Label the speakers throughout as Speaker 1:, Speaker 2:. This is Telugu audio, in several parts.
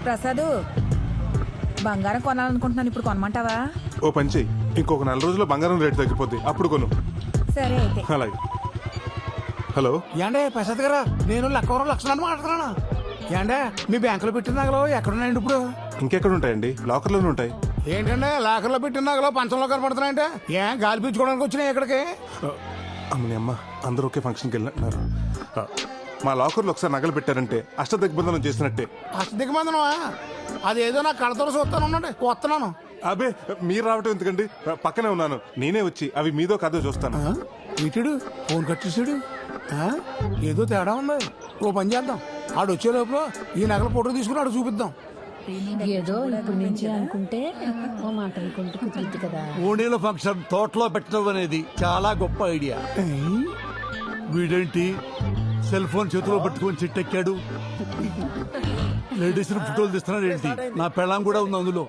Speaker 1: ప్రసాద్, బంగారం కొనాలనుకుంటున్నాను, ఇప్పుడు కొనమంటావా?
Speaker 2: ఓ పని చెయ్యి, ఇంకొక 4 రోజుల్లో బంగారం రేటు తగ్గిపోద్ది, అప్పుడు కొను.
Speaker 1: సరే అయితే.
Speaker 2: అలాగే. హలో
Speaker 3: ఏండే ప్రసాద్ గారా, నేను లక్కవరం లక్షణాన్ని మాట్లాడుతున్నాను. ఏండే మీ బ్యాంకులో పెట్టిన నగలు ఎక్కడున్నాయండి ఇప్పుడు?
Speaker 2: ఇంకెక్కడ ఉంటాయండి, లాకర్లోనే ఉంటాయి.
Speaker 3: ఏంటంటే లాకర్లో పెట్టిన నగలు పంచంలో కనపడుతున్నాయంటే ఏం గాలి పీల్చుకోవడానికి వచ్చినాయి ఇక్కడికి?
Speaker 2: అమ్మని అమ్మ, అందరూ ఒకే ఫంక్షన్కి వెళ్ళినట్టున్నారు. మా లాకర్లో ఒకసారి నగలు పెట్టారంటే అష్టదిగ్బంధనం చేసినట్టే.
Speaker 3: దిగమందనమా? అదేదో నా కళ్ళతో చూస్తాను, ఉండండి వస్తున్నాను.
Speaker 2: అబే, మీరు రావటం ఎందుకండి, పక్కనే ఉన్నాను, నేనే వచ్చి అవి మీదో కాదో చూస్తాను.
Speaker 3: ఇటుడు ఫోన్ కట్ చేసాడు. ఏదో తేడా ఉంది. ఓ పని చేద్దాం, ఆడు వచ్చే లోపల ఈ నగల ఫోటో తీసుకుని ఆడు చూపిద్దాం.
Speaker 4: ఏదో ఇప్పుడు నుంచి అనుకుంటే ఓ మాట అనుకుంటే కుదురుద్ది కదా.
Speaker 5: ఓణీల ఫంక్షన్ తోటలో పెట్టడం అనేది చాలా గొప్ప ఐడియా. వీడేంటి సెల్ ఫోన్ చేతిలో పట్టుకొని చెట్టెక్కాడు? లేడీస్ ఫోటోలు తీస్తున్నాడు ఏంటి? నా పెళ్ళాం కూడా ఉంది అందులో.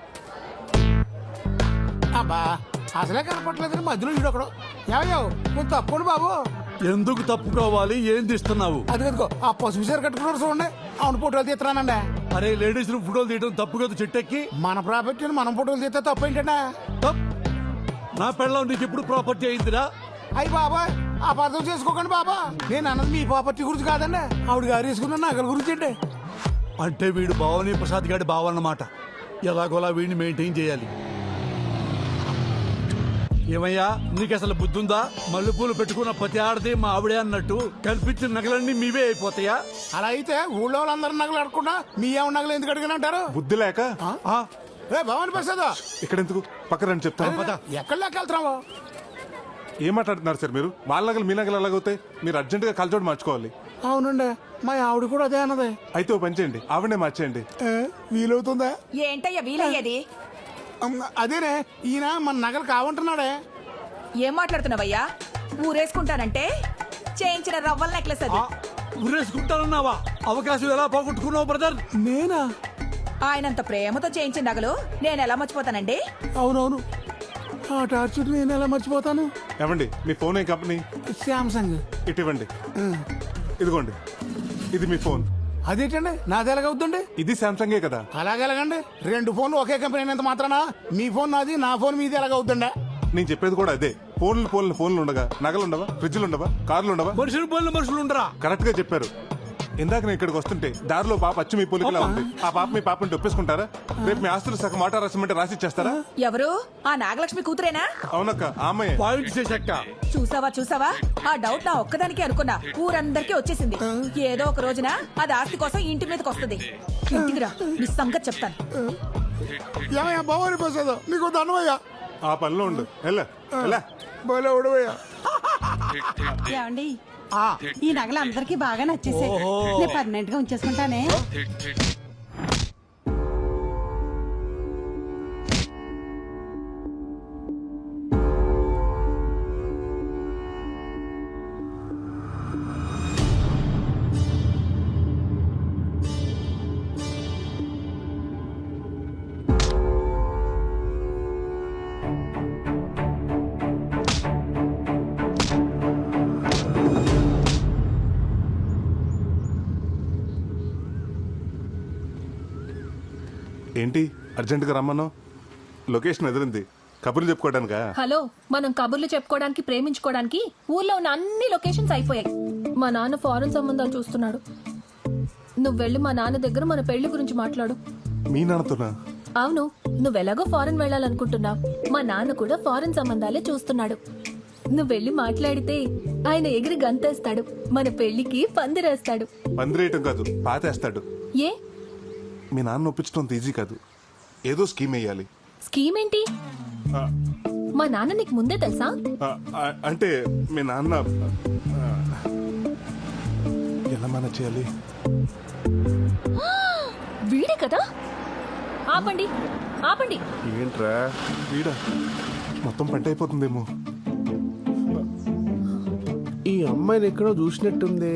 Speaker 3: అబ్బా అసలే కనపట్లేదు, మధ్యలో వీడు ఒకడు. ఏమయ్యావు కొంత తప్పండి బాబు.
Speaker 5: ఎందుకు తప్పుకోవాలి? ఏం తీస్తున్నావు?
Speaker 3: అది కదుకో ఆ పసుపు చీర కట్టుకున్నారు చూడండి, అవును ఫోటోలు తీస్తున్నానండి.
Speaker 5: అరే, లేడీస్ ఫోటోలు తీయడం తప్పు కదా చెట్టెక్కి.
Speaker 3: మన ప్రాపర్టీని మనం ఫోటోలు తీస్తే తప్పు ఏంటంటే?
Speaker 5: నా పెళ్ళాం నీకు ఎప్పుడు ప్రాపర్టీ అయిందిరా?
Speaker 3: అయ్యి బాబా అపార్థం చేసుకోకండి బాబా, నేను అన్నది మీ ప్రాపర్టీ గురించి కాదండి, ఆవిడ గారు వేసుకున్న నగల గురించి అండి.
Speaker 5: అంటే వీడు భావని ప్రసాద్ గారి భావన్నమాట. ఎలాగోలా వీడిని మెయింటైన్ చేయాలి. ఏమయ్యా, నీకు అసలు బుద్ధుందా? మల్లెపూలు పెట్టుకున్న ప్రతి ఆడది మా ఆవిడే అన్నట్టు కల్పించిన నగలన్నీ మీవే అయిపోతాయా?
Speaker 3: అలా అయితే ఊళ్ళో వాళ్ళందరూ నగలు అడగకుండా మీ ఏమన్నా నగలు ఎందుకు అడిగినంటారు?
Speaker 2: బుద్ధి లేక.
Speaker 3: ఏ భవాని ప్రసాద్,
Speaker 2: ఇక్కడ ఎందుకు, పక్కన చెప్తాను.
Speaker 3: ఎక్కడ లెక్కెళ్తున్నావు?
Speaker 2: ఏం మాట్లాడుతున్నారు సార్ మీరు? వాళ్ళ నగలు మీ నగలు ఎలాగవుతాయి? మీరు అర్జెంటుగా కలచోడు మార్చుకోవాలి.
Speaker 3: అవునండి, మా ఆవిడ కూడా అదే అన్నది.
Speaker 2: అయితే ఓ పని చేయండి, ఆవిడనే మార్చేయండి.
Speaker 3: వీలవుతుందా?
Speaker 1: ఏంటయ్యా వీలయ్యేది?
Speaker 3: అదేనే, ఈయన మన నగలు కావంటున్నాడే.
Speaker 1: ఏం మాట్లాడుతున్నావయ్యా? ఊరేసుకుంటానంటే చేయించిన రవ్వల నెక్లెస్ అది.
Speaker 5: ఊరేసుకుంటానన్నావా? అవకాశం ఎలా పోగొట్టుకున్నావు బ్రదర్?
Speaker 3: నేనా?
Speaker 1: ఆయనంత ప్రేమతో చేయించిన నగలు నేను ఎలా మర్చిపోతానండి?
Speaker 3: అవునవును, ఆ టార్చర్ నేను ఎలా మర్చిపోతాను.
Speaker 2: ఏమండి, మీ ఫోన్ ఏ కంపెనీ?
Speaker 3: శాంసంగ్.
Speaker 2: ఇటు ఇవ్వండి. ఇదిగోండి, ఇది మీ ఫోన్.
Speaker 3: అదేంటండి నాది ఎలాగవుద్దండి?
Speaker 2: ఇది శాంసంగే కదా.
Speaker 3: అలాగెలాగండి? 2 ఫోన్లు ఒకే కంపెనీ అయినంత మాత్రాన మీ ఫోన్ నాది, నా ఫోన్ మీది ఎలాగవుద్దండి?
Speaker 2: నేను చెప్పేది కూడా అదే. ఫోన్లు ఉండగా నగలు ఉండవా? ఫ్రిడ్జ్లు ఉండవా? కార్లు ఉండవా?
Speaker 5: మనుషులు ఉండరా?
Speaker 2: కరెక్ట్ గా చెప్పారు. ఇందాక నేను ఇక్కడికి వస్తుంటే దారిలో పాప అచ్చు మీ పోలికలా ఉంది. ఆ పాప మీ పాపని ఒప్పేసుకుంటారా? రేపు మీ ఆస్తులు సగం మాట రాసిమంటే రాసి ఇచ్చేస్తారా?
Speaker 1: ఎవరు? ఆ నాగలక్ష్మి కూతురేనా?
Speaker 2: అవునక్క, ఆ అమ్మాయి.
Speaker 5: పాయింట్ చేశాక
Speaker 1: చూసావా? ఆ డౌట్ నా ఒక్కదానికే అనుకున్నా, ఊరందరికీ వచ్చేసింది. ఏదో ఒక రోజున అది ఆస్తి కోసం ఇంటి మీదకి వస్తుంది. ఇంటికి రా, నీ సంగతి చెప్తాను.
Speaker 3: ఏమయ్యా భవాని ప్రసాద్, నీకు దండమయ్యా.
Speaker 2: ఆ పనిలో ఉండు.
Speaker 3: బోలే ఉడవయ్యా.
Speaker 6: ఏమండి, ఈ నగలు అందరికి బాగా నచ్చేసాయి. నేను పర్మనెంట్ గా ఉంచేసుకుంటానే.
Speaker 2: ఏంటి అర్జెంటుగా రమ్మను? లొకేషన్ ఎదిరింది. కబుర్లు చెప్పుకోవడానికా?
Speaker 7: హలో, మనం కబుర్లు చెప్పుకోవడానికి, ప్రేమించుకోవడానికి ఊర్లో ఉన్న అన్ని లొకేషన్స్ అయిపోయాయి. మా నాన్న ఫారెన్ సంబంధాలు చూస్తున్నాడు. నువ్వు వెళ్ళి మా నాన్న దగ్గర మన పెళ్లి గురించి మాట్లాడు.
Speaker 2: మీ నాన్నతోనా?
Speaker 7: అవును, నువ్వెలాగో ఫారెన్ వెళ్ళాలనుకుంటున్నావు. మా నాన్న కూడా ఫారెన్ సంబంధాలే చూస్తున్నాడు. నువ్వు వెళ్ళి మాట్లాడితే ఆయన ఎగిరి గంతేస్తాడు. మన పెళ్లికి పందిరేస్తాడు.
Speaker 2: పందిరేయటం కాదు, పాతేస్తాడు.
Speaker 7: ఏ?
Speaker 2: మీ నాన్న ఒప్పించడం ఈజీ కాదు, ఏదో స్కీమ్ వేయాలి.
Speaker 7: స్కీమ్ ఏంటి? మా నాన్న నీకు ముందే తెలుసా?
Speaker 2: అంటే మీ నాన్న ఎలా మేనేజ్ చేయాలి?
Speaker 7: వీడే కదా. ఆపండి.
Speaker 2: ఏంట్రా వీడా? మొత్తం పంట అయిపోతుందేమో.
Speaker 8: ఈ అమ్మాయిని ఎక్కడో చూసినట్టుంది.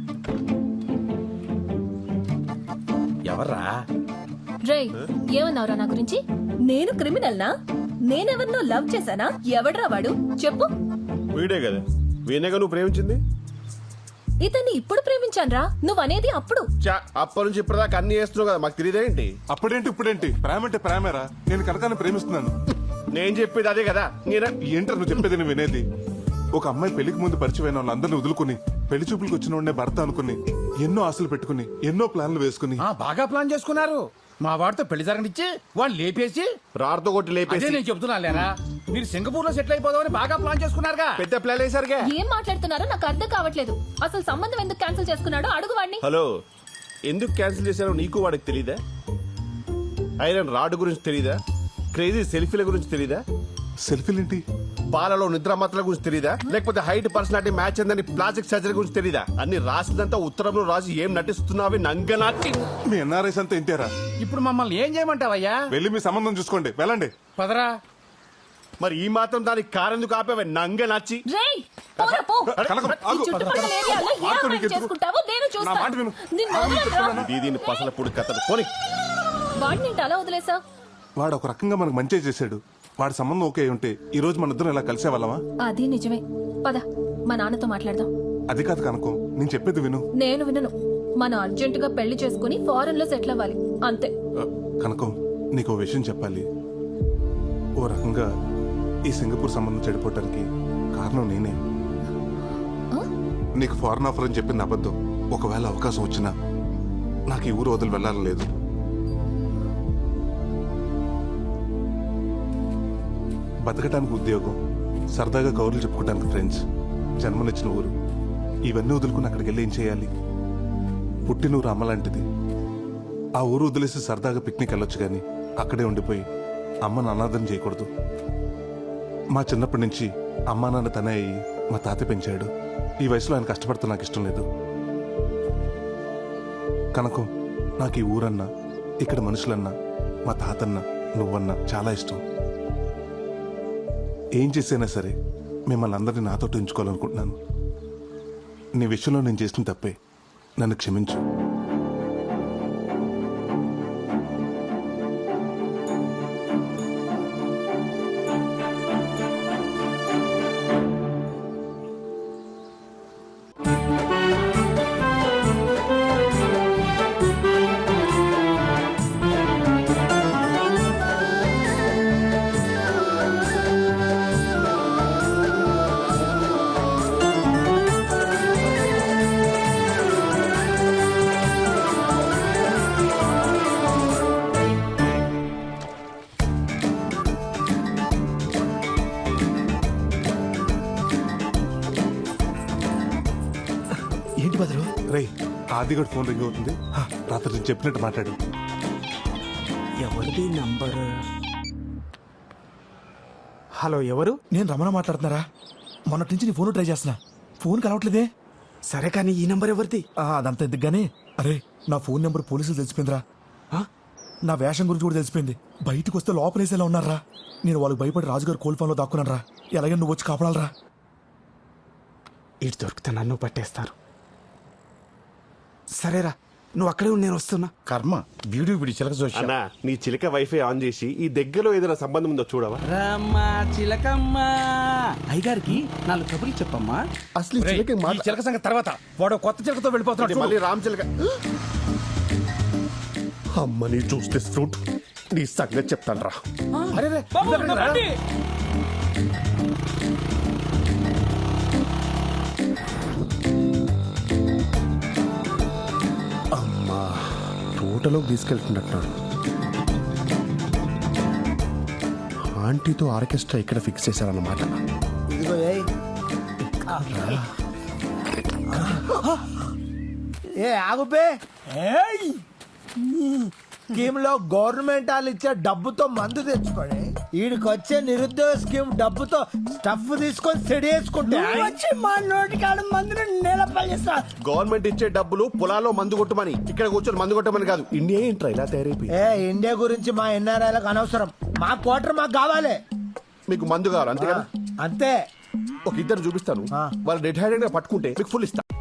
Speaker 8: ఎవర్రా?
Speaker 7: రే, ఏమన్నావురా నా గురించి? నేను క్రిమినల్నా? నేనెవరినో లవ్ చేశానా? ఎవడ్రా వాడు? చెప్పు.
Speaker 8: వీడే కదా, వీణేగా నువ్వు ప్రేమించింది.
Speaker 7: ఇతన్ని ఇప్పుడు ప్రేమించానురా నువ్వనేది అప్పుడు.
Speaker 8: అప్పటి నుంచి ఇప్పటిదాకా అన్ని చేస్తున్నావు కదా, మాకు తెలియదేంటి?
Speaker 2: అప్పుడేంటి ఇప్పుడేంటి? ప్రేమ అంటే ప్రేమేరా. నేను కనకాన్ని ప్రేమిస్తున్నాను.
Speaker 8: నేను చెప్పేది అదే కదా.
Speaker 2: ఏంటో నువ్వు చెప్పేది నువ్వు వినేది? ఒక అమ్మాయి పెళ్లికి ముందు పరిచయమైన వాళ్ళందరినీ వదులుకుని పెళ్లి చూపులకు వచ్చిన వాడినే భర్త అనుకుని ఎన్నో ఆశలు పెట్టుకుని ఎన్నో ప్లాన్లు వేసుకుని
Speaker 3: బాగా ప్లాన్ చేసుకున్నారు. మా వాడితో పెళ్లి జరగనిచ్చి వాళ్ళు లేపేసి
Speaker 8: రాడుతో కొట్టి
Speaker 3: అదే
Speaker 8: లేపేసి
Speaker 3: నేను చెప్తున్నా లేరా, మీరు సింగపూర్ లో సెటిల్ అయిపోదామని బాగా ప్లాన్ చేసుకున్నారుగా.
Speaker 8: పెద్ద ప్లాన్ వేసారుగా.
Speaker 7: ఏం మాట్లాడుతున్నారో నాకు అర్థం కావట్లేదు. అసలు సంబంధం ఎందుకు క్యాన్సిల్ చేసుకున్నాడో అడుగు వాడిని.
Speaker 8: హలో, ఎందుకు క్యాన్సిల్ చేశారో నీకు వాడికి తెలీదా? ఐరన్ రాడ్ గురించి తెలీదా? క్రేజీ సెల్ఫీల గురించి తెలీదా?
Speaker 2: సెల్ఫీలేంటి?
Speaker 8: పాలలో నిద్రమాత్రల గురించి తెలీదా? లేకపోతే హైట్ పర్సనాలిటీ మ్యాచ్ అందని ప్లాస్టిక్ సర్జరీ గురించి తెలీదా? అన్ని రాసిందంతా ఉత్తరంలో రాసి ఏం నటిస్తున్నావి నంగనాటి.
Speaker 2: మీ ఎన్ఆర్ఐస్ అంతా ఇంతేరా?
Speaker 3: ఇప్పుడు మమ్మల్ని ఏం చేయమంటావయ్యా?
Speaker 2: వెళ్ళి మీ సంబంధం చూసుకోండి, వెళ్ళండి.
Speaker 3: పదరా.
Speaker 8: మరి ఈ మాత్రం దానికి కారెందుకు ఆపేవే నంగనాచి?
Speaker 7: రేయ్, పోరా పో.
Speaker 2: కనకం,
Speaker 7: ఈ
Speaker 2: ఆగు.
Speaker 7: చుట్టుపక్కల ఏరియాలో ఏ
Speaker 2: ఆగు,
Speaker 7: అమ్మాయిని
Speaker 2: నీకు ఎందుకు?
Speaker 7: చేసుకుంటావో నేను
Speaker 2: నా మాట
Speaker 7: చూస్తాను.
Speaker 2: విను.
Speaker 7: నిన్ను వదలనురా.
Speaker 8: దీని పసల పొడి కథలు పోనీ.
Speaker 7: వాడిని ఏంటి అలా వదిలేసా?
Speaker 2: వాడు ఒక రకంగా మనకు మంచి చేశాడు. వాడి సంబంధం ఓకే అయి ఉంటే ఈ రోజు మన ఇద్దరం ఇలా కలిసేవాళ్ళమా?
Speaker 7: అది నిజమే. పద మా నాన్నతో మాట్లాడదాం.
Speaker 2: అది కాదు కనకం, నేను చెప్పేది విను.
Speaker 7: నేను వినను. మనం అర్జెంటుగా పెళ్లి చేసుకుని ఫారెన్ లో సెటిల్ అవ్వాలి అంతే.
Speaker 2: కనకం, నీకు ఓ విషయం చెప్పాలి. ఓ రకంగా ఈ సింగపూర్ సంబంధం చెడిపోవటానికి కారణం నేనే. నీకు ఫారెన్ ఆఫర్ అని చెప్పింది అబద్ధం. ఒకవేళ అవకాశం వచ్చినా నాకు ఈ ఊరు వదిలి వెళ్ళాలని లేదు. బతకటానికి ఉద్యోగం, సరదాగా కౌరులు చెప్పుకోవడానికి ఫ్రెండ్స్, జన్మనిచ్చిన ఊరు, ఇవన్నీ వదులుకుని అక్కడికి వెళ్ళి ఏం చేయాలి? పుట్టినూరు అమ్మ లాంటిది. ఆ ఊరు వదిలేసి సరదాగా పిక్నిక్ వెళ్ళొచ్చు కానీ అక్కడే ఉండిపోయి అమ్మను అనాథం చేయకూడదు. మా చిన్నప్పటి నుంచి అమ్మా నాన్న తనే అయ్యి మా తాత పెంచాడు. ఈ వయసులో ఆయన కష్టపడితే నాకు ఇష్టం లేదు. కనుక నాకు ఈ ఊరన్నా, ఇక్కడ మనుషులన్నా, మా తాతన్నా, నువ్వన్నా చాలా ఇష్టం. ఏం చేసైనా సరే మిమ్మల్ని అందరినీ నాతో ఉంచుకోవాలనుకుంటున్నాను. నీ విషయంలో నేను చేసిన తప్పే, నన్ను క్షమించు.
Speaker 9: ఏంటి బదులు?
Speaker 2: రేయ్, ఆదిగడు ఫోన్ రింగ్ అవుతుంది. రాత్రి నేను చెప్పినట్టు మాట్లాడు.
Speaker 9: ఎవరిది నంబర్? హలో, ఎవరు? నేను రమణ మాట్లాడుతున్నారా? మొన్నటి నుంచి నీ ఫోన్ ట్రై చేస్తున్నా, ఫోన్ కలవట్లేదే. సరే కానీ ఈ నంబర్ ఎవరిది? అదంతా ఎందుకు గానీ, అరే నా ఫోన్ నెంబర్ పోలీసులు తెలిసిపోయిందిరా. నా వేషం గురించి కూడా తెలిసిపోయింది. బయటకు వస్తే లోపలేసేలా ఉన్నారా. నేను వాళ్ళకి భయపడి రాజుగారు కోల్ఫోన్లో దాక్కున్నాను రా. ఎలాగైనా నువ్వు వచ్చి కాపాడాలరా. ఇటు దొరికితే నన్ను పట్టేస్తారు. సరేరా, నువ్వు అక్కడే ఉండి నేను వస్తున్నా. కర్మ, వీడియో వీడి చిలక చూసి.
Speaker 8: అన్నా, నీ చిలక వైఫై ఆన్ చేసి ఈ దగ్గరలో ఏదైనా సంబంధం ఉందో చూడవా?
Speaker 3: రమ్మా చిలకమ్మా, అయ్యగారికి 4 కబుర్లు చెప్పమ్మా.
Speaker 8: అసలు ఈ చిలక
Speaker 3: ఈ చిలక సంగతి తర్వాత. వాడు కొత్త చిలకతో వెళ్ళిపోతున్నాడు.
Speaker 8: మళ్ళీ రామ్ చిలక. అమ్మని చూస్తే ఫ్రూట్ నీ సంగతి చెప్తాను రా.
Speaker 3: అరే రే, ఇద్దరు రండి.
Speaker 8: అమ్మా, తోటలోకి తీసుకెళ్తున్నట్టున్నాడు. ఆంటీతో ఆర్కెస్ట్రా ఇక్కడ ఫిక్స్ చేశారన్నమాట.
Speaker 10: ఏ ఆగుపే. స్కీమ్ లో గవర్నమెంట్ వాళ్ళు ఇచ్చే డబ్బుతో మందు తెచ్చుకోండి. వీడికి వచ్చే నిరుద్యోగ స్కీమ్ డబ్బుతో స్టఫ్ తీసుకొని సెడి వేసుకుంటే వచ్చి మా నోటికాడ మందుని నిలపలిస్తా.
Speaker 8: గవర్నమెంట్ ఇచ్చే డబ్బులు పొలాల్లో మందు కొట్టమని, ఇక్కడ కూర్చొని మందు కొట్టమని కాదు. ఇండియా ఏంట్రా ఇలా తయారైపోయి?
Speaker 10: ఏ ఇండియా గురించి మా ఎన్ఆర్ఐలకు అనవసరం. మా క్వార్టర్ మాకు కావాలి.
Speaker 8: మీకు మందు కావాలి అంతే కదా?
Speaker 10: అంతే.
Speaker 8: ఒక ఇద్దరు చూపిస్తాను, వాళ్ళు డెడ్ హ్యాండెడ్ గా పట్టుకుంటే మీకు ఫుల్ ఇస్తా.